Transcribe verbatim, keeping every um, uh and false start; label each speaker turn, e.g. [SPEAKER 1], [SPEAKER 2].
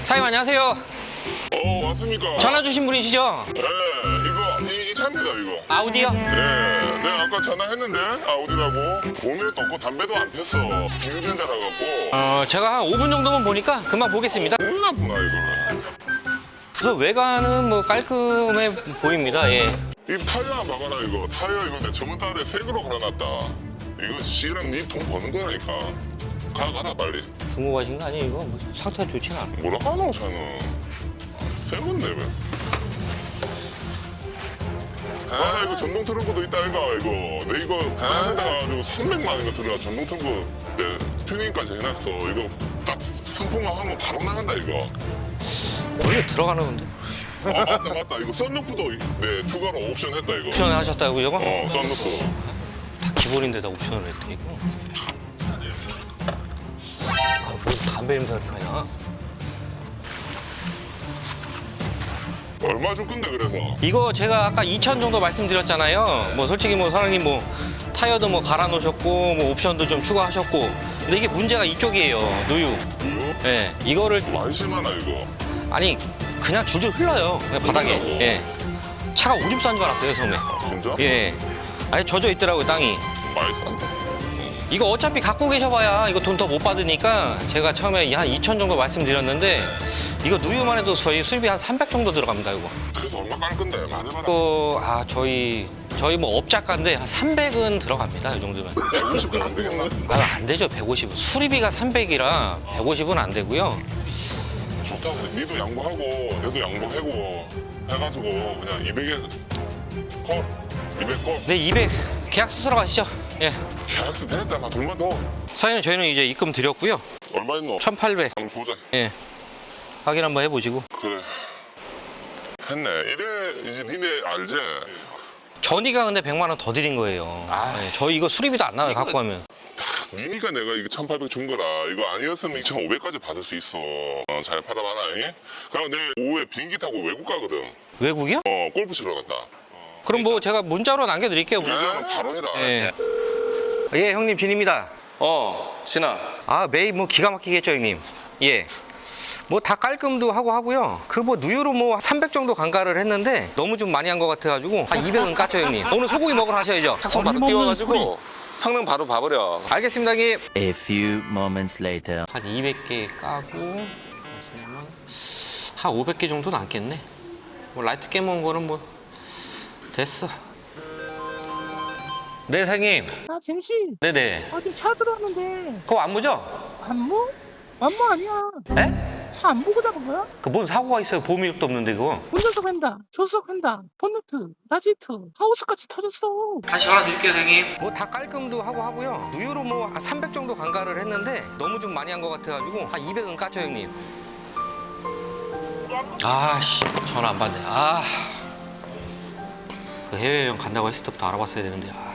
[SPEAKER 1] 사장님 안녕하세요.
[SPEAKER 2] 어, 왔습니까?
[SPEAKER 1] 전화 주신 분이시죠?
[SPEAKER 2] 네, 이거 이, 이 차입니다, 이거.
[SPEAKER 1] 아우디요?
[SPEAKER 2] 네, 내가 아까 전화했는데 아우디라고 돈도 없고 담배도 안 폈어. 비유전자라 갖고
[SPEAKER 1] 어, 제가 한 오 분 정도만 보니까 금방 보겠습니다.
[SPEAKER 2] 몰랐구나 이거를.
[SPEAKER 1] 그래서 외관은 뭐 깔끔해 보입니다. 예.
[SPEAKER 2] 이 타이어 안 봐봐라 이거. 타이어 이거 내 저번 달에 색으로 갈아놨다. 이거 씨랑 니 돈 버는 거라니까. 가 가라 빨리.
[SPEAKER 1] 중고 가신 거 아니에요? 이거 뭐 상태가 좋진 않아.
[SPEAKER 2] 뭐라 하노 차는. 새 건데 왜? 아 이거 전동 트렁크도 있다 이거 이거. 내 이거 파는데 가지고 삼백만 원 이거 들어가. 전동 트렁크 내 튜닝까지 해놨어. 이거 딱 상품화하면 바로 나간다 이거.
[SPEAKER 1] 원래 들어가는 건데.
[SPEAKER 2] 아 맞다 맞다 이거 썬루프도 네 추가로 옵션 했다 이거.
[SPEAKER 1] 옵션을 하셨다고 이거?
[SPEAKER 2] 어 썬루프.
[SPEAKER 1] 다 기본인데다 옵션을 했대 이거. 아, 무슨 담배 냄새가 이렇게 많이 나?
[SPEAKER 2] 얼마 줄 건데 그래서?
[SPEAKER 1] 이거 제가 아까 이천 정도 말씀드렸잖아요. 뭐 솔직히 뭐 사장님 뭐 타이어도 뭐 갈아 놓으셨고 뭐 옵션도 좀 추가하셨고. 근데 이게 문제가 이쪽이에요. 누유.
[SPEAKER 2] 이거
[SPEAKER 1] 예. 이거를
[SPEAKER 2] 많이 심하나 이거?
[SPEAKER 1] 아니 그냥 줄줄 흘러요. 그냥 바닥에.
[SPEAKER 2] 흘린다고?
[SPEAKER 1] 예. 차가 오줌 싼 줄 알았어요 처음에.
[SPEAKER 2] 아 진짜?
[SPEAKER 1] 예. 아니 젖어 있더라고요 땅이.
[SPEAKER 2] 많이 싼다.
[SPEAKER 1] 이거 어차피 갖고 계셔봐야 이거 돈 더 못 받으니까 제가 처음에 한 이천 정도 말씀드렸는데 이거 누유만 해도 저희 수입이 한 삼백 정도 들어갑니다 이거.
[SPEAKER 2] 그래서 얼마 깔 건데 많이 받아.
[SPEAKER 1] 또, 아 저희 저희 뭐 업자가인데 한 삼백은 들어갑니다 이 정도면.
[SPEAKER 2] 백오십은 안 되겠나?
[SPEAKER 1] 아 안 되죠 백오십은. 수리비가 삼백이라 백오십은 안 되고요.
[SPEAKER 2] 좋다고 니도 양보하고 얘도 양보하고 해가지고 그냥 이백에 콜 이백 콜.
[SPEAKER 1] 네 이백 계약서 쓰러 가시죠. 예.
[SPEAKER 2] 계약서 됐다 막 돈만 더.
[SPEAKER 1] 사장님 저희는 이제 입금 드렸고요.
[SPEAKER 2] 얼마 있노?
[SPEAKER 1] 천팔백.
[SPEAKER 2] 한번 보자.
[SPEAKER 1] 예. 확인 한번 해보시고.
[SPEAKER 2] 그래. 했네. 이래 이제 니네 알지?
[SPEAKER 1] 전이가 근데 백만 원 더 드린 거예요.
[SPEAKER 2] 아.
[SPEAKER 1] 예, 저희 이거 수리비도 안 나와요 갖고 가면.
[SPEAKER 2] 니니까 내가 이거 천팔백 준 거라. 이거 아니었으면 이천오백까지 받을 수 있어. 어, 잘 팔아봐라. 잉? 그럼 내일 오후에 비행기 타고 외국 가거든.
[SPEAKER 1] 외국이요?
[SPEAKER 2] 어, 골프 치러 간다.
[SPEAKER 1] 그럼 뭐 제가 문자로 남겨드릴게요.
[SPEAKER 2] 그냥 바로 해라.
[SPEAKER 1] 예. 예, 형님 진입니다.
[SPEAKER 3] 어, 신아.
[SPEAKER 1] 아, 매일 뭐 기가 막히겠죠, 형님. 예. 뭐 다 깔끔도 하고 하고요. 그 뭐 누유로 뭐 삼백 정도 간가를 했는데 너무 좀 많이 한 것 같아가지고 한 이백은 깠죠, 형님. 오늘 소고기 먹으러 가셔야죠.
[SPEAKER 3] 탁송 바로 띄워가지고 성능 바로 봐버려.
[SPEAKER 1] 알겠습니다, 형님.
[SPEAKER 4] A few moments later.
[SPEAKER 1] 한 이백 개 까고 한 오백 개 정도 남겠네. 뭐 라이트 깨먹은 거는 뭐 됐어. 네, 사장님.
[SPEAKER 5] 아, 쟁씨.
[SPEAKER 1] 네네.
[SPEAKER 5] 아, 지금 차 들어왔는데.
[SPEAKER 1] 그거 안무죠?
[SPEAKER 5] 안무? 안무 아니야.
[SPEAKER 1] 에?
[SPEAKER 5] 차 안 보고 잡은 거야?
[SPEAKER 1] 그 뭔 사고가 있어요? 보험 이력도 없는데 그거.
[SPEAKER 5] 운전석 횡단, 조수석 횡단, 본네트, 라지트, 하우스까지 터졌어.
[SPEAKER 1] 다시 전화 드릴게요, 선생님. 뭐 다 깔끔도 하고 하고요. 누유로 뭐 삼백 정도 간가를 했는데 너무 좀 많이 한 것 같아가지고 한 이백은 깠죠, 형님. 아씨, 전화 안 받네. 아, 그 해외여행 간다고 했을 때부터 알아봤어야 되는데. 아.